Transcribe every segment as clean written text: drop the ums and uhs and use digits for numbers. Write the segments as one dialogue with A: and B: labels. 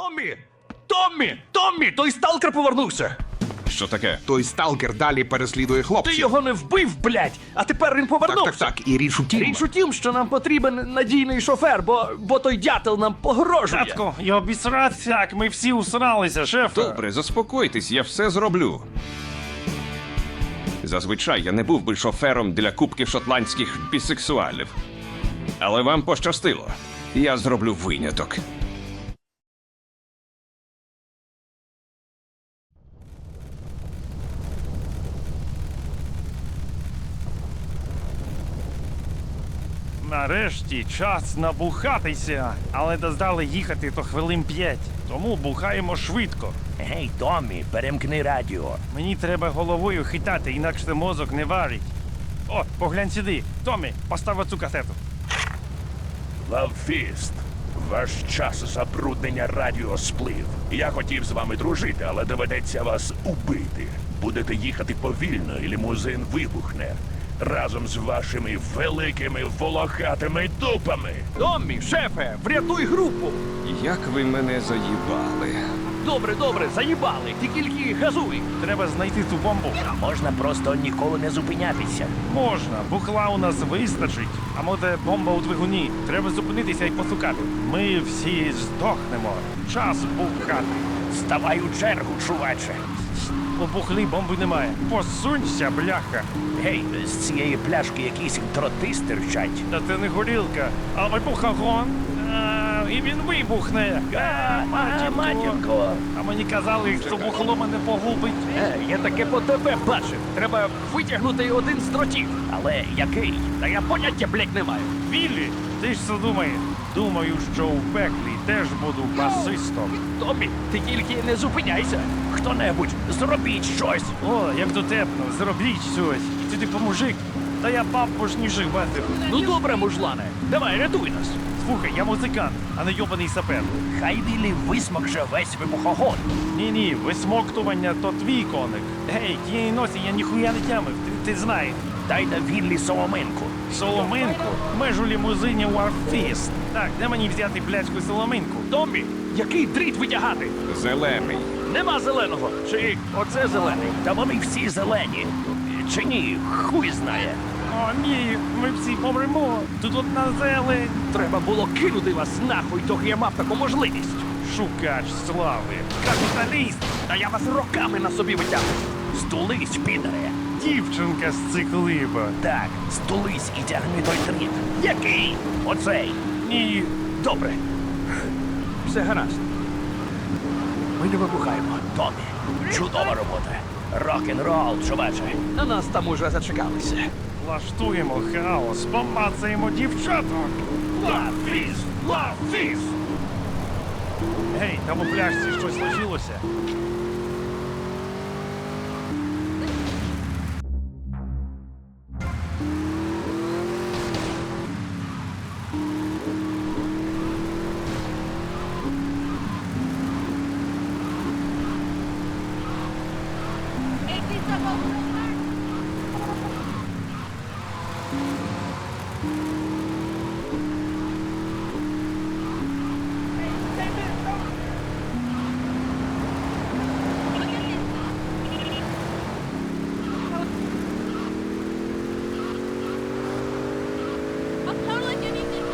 A: Томмі! Томмі! Томмі! Той сталкер повернувся!
B: Що таке?
C: Той сталкер далі переслідує
A: Ти
C: хлопців.
A: його не вбив, блядь! А тепер він повернувся!
C: Так. І річ у тім.
A: Річ у тім, що нам потрібен надійний шофер, бо той дятел нам погрожує.
D: Татко, я обісрався, як ми всі усралися, шефе.
B: Добре, заспокойтесь, я все зроблю. Зазвичай я не був би шофером для кубки шотландських бісексуалів. Але вам пощастило. Я зроблю виняток.
D: Нарешті час набухатися, але доздали їхати то хвилин 5. Тому бухаємо швидко.
E: Гей, Томмі, перемкни радіо.
D: Мені треба головою хитати, інакше мозок не варить. О, поглянь сюди. Томмі, постав оцю касету.
F: Лавфіст, ваш час забруднення радіо сплив. Я хотів з вами дружити, але доведеться вас убити. Будете їхати повільно, і лімузин вибухне. Разом з вашими великими волохатими дупами.
A: Томмі, шефе, врятуй групу!
B: Як ви мене заїбали.
A: Добре, заїбали, ти тільки газуй.
D: Треба знайти ту бомбу.
E: Можна просто ніколи не зупинятися.
D: Можна, бухла у нас вистачить. А може бомба у двигуні. Треба зупинитися і посукати. Ми всі здохнемо. Час бухати.
E: Ставай у чергу, чуваче.
D: У бухлі бомби немає. Посунься, бляха.
E: Гей, з цієї пляшки якісь дроти стирчать.
D: Та це не горілка, а вибухогон. І він вибухне.
E: Матінко.
D: А мені казали, що бухло мене погубить.
A: Я таке по тебе бачив. Треба витягнути один з дротів.
E: Але який?
A: Та я поняття, блядь, не маю.
D: Віллі, ти ж що думаєш? Думаю, що у пеклі теж буду басистом.
A: Томмі, ти тільки не зупиняйся.
E: Хто-небудь, зробіть щось.
D: О, як дотепно, зробіть щось. Ти типу мужик. Та я папушніших бачив.
A: Ну добре, мужлане, давай, рятуй нас.
D: Слухай, я музикант, а не йобаний сапер.
E: Хай Віллі висмокше весь вибухогон.
D: Ні, висмоктування то твій коник. Гей, тієї носі я ніхуя не тямив, ти знаєш.
E: Дай на Віллі соломинку.
D: Соломинку? Ми ж у лімузині Warfist. Так, де мені взяти пляшку соломинку?
A: Томмі, який дріт витягати?
B: Зелений.
A: Нема зеленого. Чи оце зелений?
E: Та вони всі зелені. Чи ні, хуй знає.
D: О, ні, ми всі помремо. Тут одна зелень.
A: Треба було кинути вас нахуй, доки я мав таку можливість.
D: Шукач слави. Капіталіст.
A: Та я вас роками на собі витягну.
E: Здулись, підаре.
D: Дівчинка з циклиба.
E: Так, здулись і тягни той дріт. Який? Оцей.
D: Ні.
A: Добре. Все гаразд. Ми не вибухаємо.
E: Томмі, чудова робота. Рок-н-рол, чуваче.
A: На нас там уже зачекалися.
D: Влаштуємо хаос, помацаємо дівчаток.
A: Лавфіс! Лавфіс!
D: Гей, там у пляшці щось лишилося.
G: I'm totally getting this.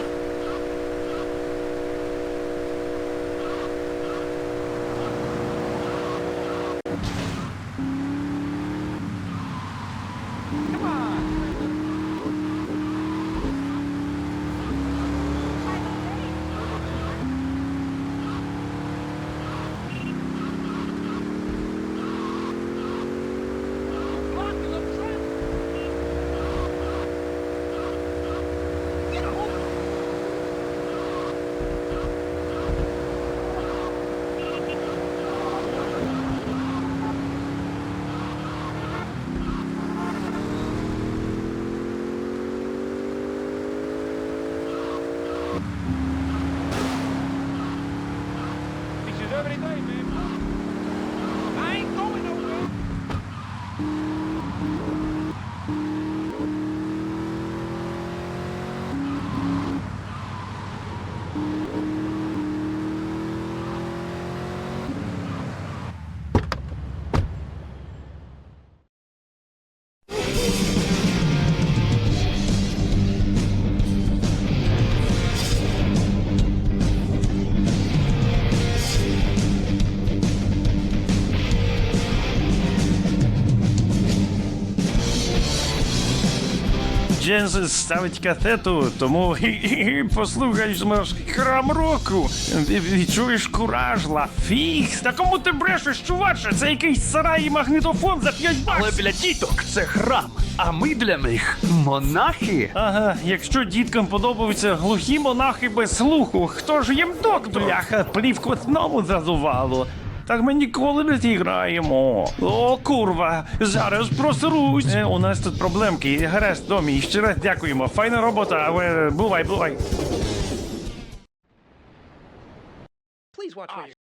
D: Дженс ставить касету, тому послухаєш наш храм року. Відчуєш кураж, Лафікс. Та кому ти брешеш, чуваче? Це якийсь сарай і магнітофон за 5
A: Але
D: баксів.
A: для діток це храм, а ми для них монахи.
D: Ага, якщо діткам подобаються глухі монахи без слуху, хто ж їм доктор? Бляха, плівку знову зазувало. Так ми ніколи не зіграємо. О, курва, зараз просрусь. У нас тут проблемки. Гаразд, Домі, ще раз дякуємо. Файна робота, але бувай.
E: Please watch me.